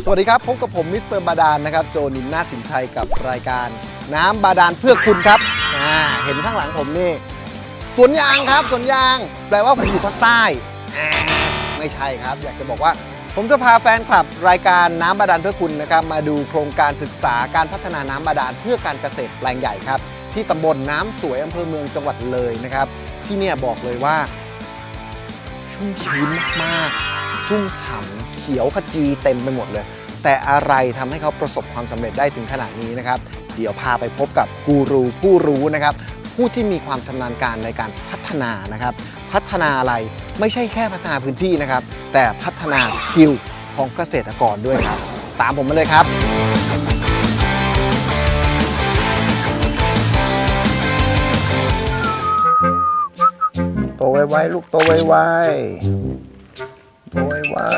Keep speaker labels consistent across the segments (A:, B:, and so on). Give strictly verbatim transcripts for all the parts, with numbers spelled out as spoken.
A: สวัสดีครับพบกับผมมิสเตอร์บาดาลนะครับโจนินนาถสินชัยกับรายการน้ำบาดาลเพื่อคุณครับอ่าเห็นข้างหลังผมนี่สวนยางครับสวนยางแปลว่าผมอยู่ภาคใต้อ่าไม่ใช่ครับอยากจะบอกว่าผมจะพาแฟนคลับรายการน้ำบาดาลเพื่อคุณนะครับมาดูโครงการศึกษาการพัฒนาน้ำบาดาลเพื่อการเกษตรแปลงใหญ่ครับที่ตำบลน้ำสวยอำเภอเมืองจังหวัดเลยนะครับที่เนี่ยบอกเลยว่าชุ่มชื้นมากๆชุ่มฉ่ำเขียวขจีเต็มไปหมดเลยแต่อะไรทำให้เขาประสบความสำเร็จได้ถึงขนาดนี้นะครับเดี๋ยวพาไปพบกับกูรูผู้รู้นะครับผู้ที่มีความชำนาญการในการพัฒนานะครับพัฒนาอะไรไม่ใช่แค่พัฒนาพื้นที่นะครับแต่พัฒนาสกิลของเกษตรกรด้วยครับตามผมมาเลยครับโตไวๆลูกโตไวๆโตไว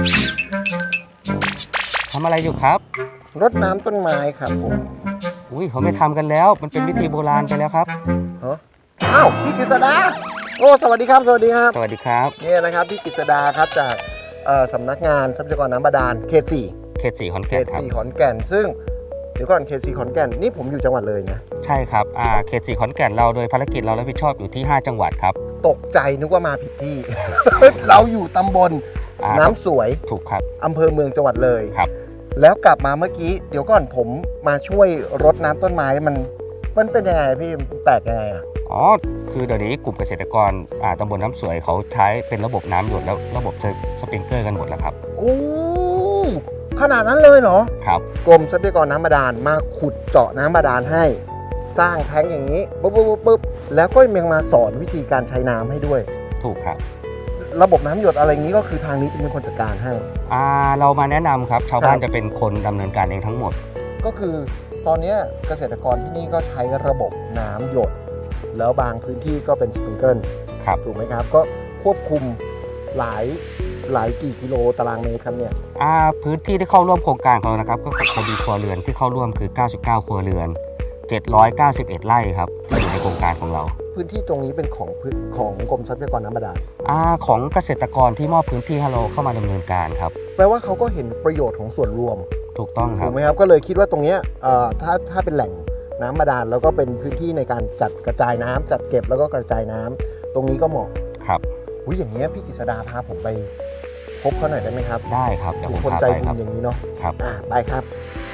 B: ๆทำอะไรอยู่ครับ
A: รดน้ำต้นไม้ครับผม
B: อุ้ยเขาไม่ทำกันแล้วมันเป็นวิธีโบราณไปแล้วครับ
A: ฮะอ้าวพี่กฤษดาโอ้สวัสดีครับสวัสดีครับ
B: สวัสดีครับ
A: นี่นะครับพี่กฤษดาครับจากสำนักงานทรัพยากรน้ำบาดาลเขตสี่
B: เขตสี่ขอนแก่นครับ
A: เขตสี่ขอนแก่นซึ่งเดี๋ยวก่อนเขตสี่ขอนแก่นนี่ผมอยู่จังหวัดเลยนะ
B: ใช่ครับอ่าเขตสี่ขอนแก่นเราโดยภารกิจเรารับผิดชอบอยู่ที่ห้าจังหวัดครับ
A: ตกใจนึกว่ามาผิดที่ เราอยู่ตำบลน้ำสวย
B: ถูกครับ
A: อำเภอเมืองจังหวัดเลย
B: ครับ
A: แล้วกลับมาเมื่อกี้เดี๋ยวก่อนผมมาช่วยรดน้ำต้นไม้มันมันเป็นยังไงพี่แปลกยังไงอ่ะ
B: อ๋อคือเดี๋ยวนี้กลุ่มเกษตรกรอ่าตำบลน้ำสวยเขาใช้เป็นระบบน้ำหยดแล้วระบบสปริงเกอร์กันหมดแล้วครับ
A: โอ้ขนาดนั้นเลยเหรอ
B: ครับ
A: กรมทรัพยากรน้ำบาดาลมาขุดเจาะน้ำบาดาลให้สร้างแท้งอย่างนี้ปุ๊บปุ๊บปุ๊บแล้วก็ยังมาสอนวิธีการใช้น้ำให้ด้วย
B: ถูกครับ
A: ระบบน้ำหยดอะไรอย่างนี้ก็คือทางนี้จะเป็นคนจัดการให้
B: อ่าเรามาแนะนำครับชาวบ้านจะเป็นคนดำเนินการเองทั้งหมด
A: ก็คือตอนนี้เกษตรกรที่นี่ก็ใช้ระบบน้ำหยดแล้วบางพื้นที่ก็เป็นสปริงเกิล
B: ครับ
A: ถูกไหมครับก็ควบคุมหลายหลายกี่กิโลตารางเมตรครับเนี่ย
B: อ่าพื้นที่ที่เข้าร่วมโครงการของเรานะครับก็คือมีครัวเรือนที่เข้าร่วมคือเก้าสิบเก้าครัวเรือนเจ็ดร้อยเก้าสิบเอ็ดไร่ครับที่อยู่ในโครงการของเรา
A: พื้นที่ตรงนี้เป็นของของกรมทรัพยากรน้ำบาดาล
B: อ่าของเกษตรกรที่มอบพื้นที่ให้เราเข้ามาดำเนินการครับ
A: แปลว่าเขาก็เห็นประโยชน์ของส่วนรวม
B: ถูกต้องครับ
A: ถูกไหมครับก็เลยคิดว่าตรงนี้ถ้าถ้าเป็นแหล่งน้ำบาดาลแล้วก็เป็นพื้นที่ในการจัดกระจายน้ำจัดเก็บแล้วก็กระจายน้ำตรงนี้ก็เหมาะ
B: ครับ
A: อุ้ยอย่างเงี้ยพี่กฤษดาพาผมไปพบเขาหน่อยได้ไหมครับ
B: ได้ครับเดี๋ยวผม
A: พาไปครับคนใจบุญอย่างนี้เนาะ
B: ครับ
A: อ่าไปครับ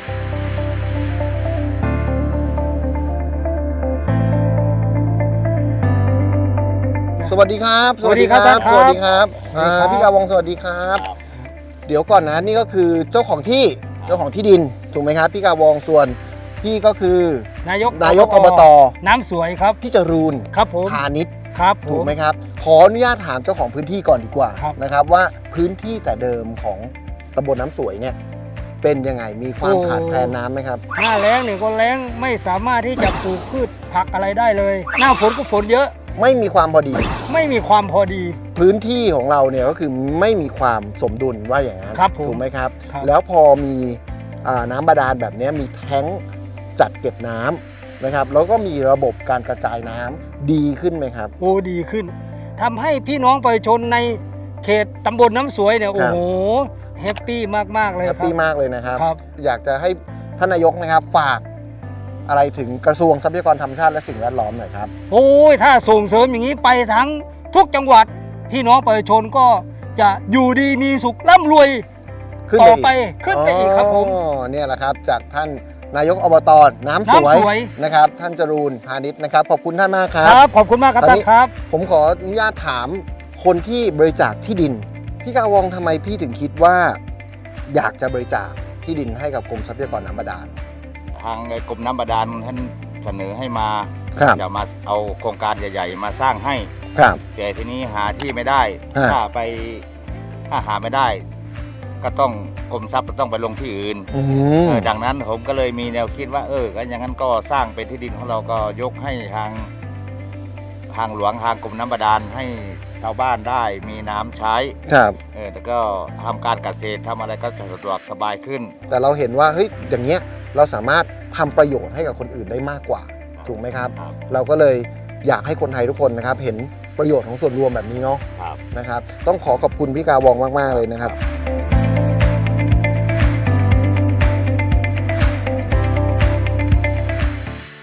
A: สวัสดีครับ
B: สวัสดีครับ
A: สวัสดีครับพี่กาวงสวัสดีครับเดี๋ยวก่อนนะนี่ก็คือเจ้าของที่เจ้าของที่ดินถูกไหมครับพี่กาวงส่วนพี่ก็คือนายกนายกอบต
B: น้ำสวยครับ
A: พี่จรูน
B: ครับผม
A: พาณิชย์
B: ครับ
A: ถูกไหมครับขออนุญาตถามเจ้าของพื้นที่ก่อนดีกว่านะครับว่าพื้นที่แต่เดิมของตำบลน้ำสวยเนี่ยเป็นยังไงมีความขาดแคลนน้ำไหมครับ
B: หน้าแล้งเนี่ยก็แล้งไม่สามารถที่จะปลูกพืชผักอะไรได้เลยหน้าฝนก็ฝนเยอะ
A: ไม่มีความพอดี
B: ไม่มีความพอดี
A: พื้นที่ของเราเนี่ยก็คือไม่มีความสมดุลว่าอย่างนั้นถูกไหมครับแล้วพอมีน้ำบาดาลแบบนี้มีแท้งจัดเก็บน้ำนะครับแล้วก็มีระบบการกระจายน้ำดีขึ้นไหมครับ
B: โอ้ดีขึ้นทำให้พี่น้องประชาชนในเขตตำบลน้ำสวยเนี่ยโอ้โหแฮปปี้มากๆเลยครับ
A: แฮปปี้มากเลยนะครับอยากจะให้ท่านนายกนะครับฝากอะไรถึงกระทรวงทรัพยากรธรรมชาติและสิ่งแวดล้อมหน่อยครับ
B: โอ้ยถ้าส่งเสริมอย่างนี้ไปทั้งทุกจังหวัดพี่น้องประชาชนก็จะอยู่ดีมีสุขร่ำรวยต่อไปขึ้นไปอีกครับผม
A: เนี่ยแหละครับจากท่านนายกอบตน้ำสวยนะครับท่านจรูนพาณิชย์นะครับขอบคุณท่านมากครับ
B: ครับขอบคุณมากครับท่านครับ
A: ผมขออนุญาตถามคนที่บริจาคที่ดินพี่กาวงทำไมพี่ถึงคิดว่าอยากจะบริจาคที่ดินให้กับกรมทรัพยากรน้ำบาดาล
C: ทางกรมน้ำบาดาลท่านเสนอให้มาจะมาเอาโครงการใหญ่ๆมาสร้างให้แต่ทีนี้หาที่ไม่ได้ถ้าไปถ้าหาไม่ได้ก็ต้องกรมทรัพย์ต้องไปลงที่อื่นดังนั้นผมก็เลยมีแนวคิดว่าเออก็อย่างนั้นก็สร้างเป็นที่ดินของเราก็ยกให้ทางทางหลวงทางกรมน้ำบาดาลให้ชาวบ้านได้มีน้ำใช้
A: ครับ
C: เออแล้วก็ทำการเกษตรทำอะไรก็สะดวกสบายขึ้น
A: แต่เราเห็นว่าเฮ้ยอย่างเงี้ยเราสามารถทำประโยชน์ให้กับคนอื่นได้มากกว่าถูกไหมครับเราก็เลยอยากให้คนไทยทุกคนนะครับเห็นประโยชน์ของส่วนรวมแบบนี้เนาะนะครับต้องขอขอบคุณพี่กาวองมากๆเลยนะครับ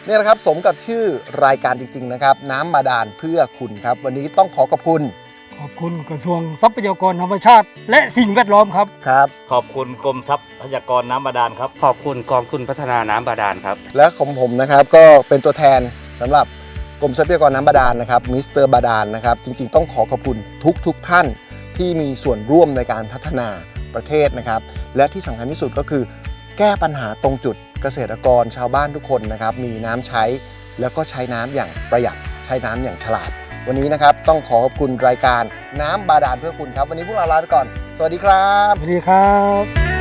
A: เนี่ยนะครับสมกับชื่อรายการจริงๆนะครับน้ำบาดาลเพื่อคุณครับวันนี้ต้องขอขอบคุณ
B: ขอบคุณกระทรวงทรัพยากรธรรมชาติ และสิ่งแวดล้อมครับ
A: ครับ
C: ขอบคุณกรมทรัพยากรน้ำบาดาลครับ
D: ขอบคุณกองทุนพัฒนาน้ำบาดาลครับ
A: และของผมนะครับก็เป็นตัวแทนสำหรับกรมทรัพยากรน้ำบาดาลนะครับมิสเตอร์บาดาลนะครับจริงๆต้องขอขอบคุณทุกทุกท่านที่มีส่วนร่วมในการพัฒนาประเทศนะครับและที่สำคัญที่สุดก็คือแก้ปัญหาตรงจุดเกษตรกรชาวบ้านทุกคนนะครับมีน้ำใช้แล้วก็ใช้น้ำอย่างประหยัดใช้น้ำอย่างฉลาดวันนี้นะครับต้องขอขอบคุณรายการน้ำบาดาลเพื่อคุณครับวันนี้พวกเราลาไปก่อนสวัสดีครับ
B: สวัสดีครับ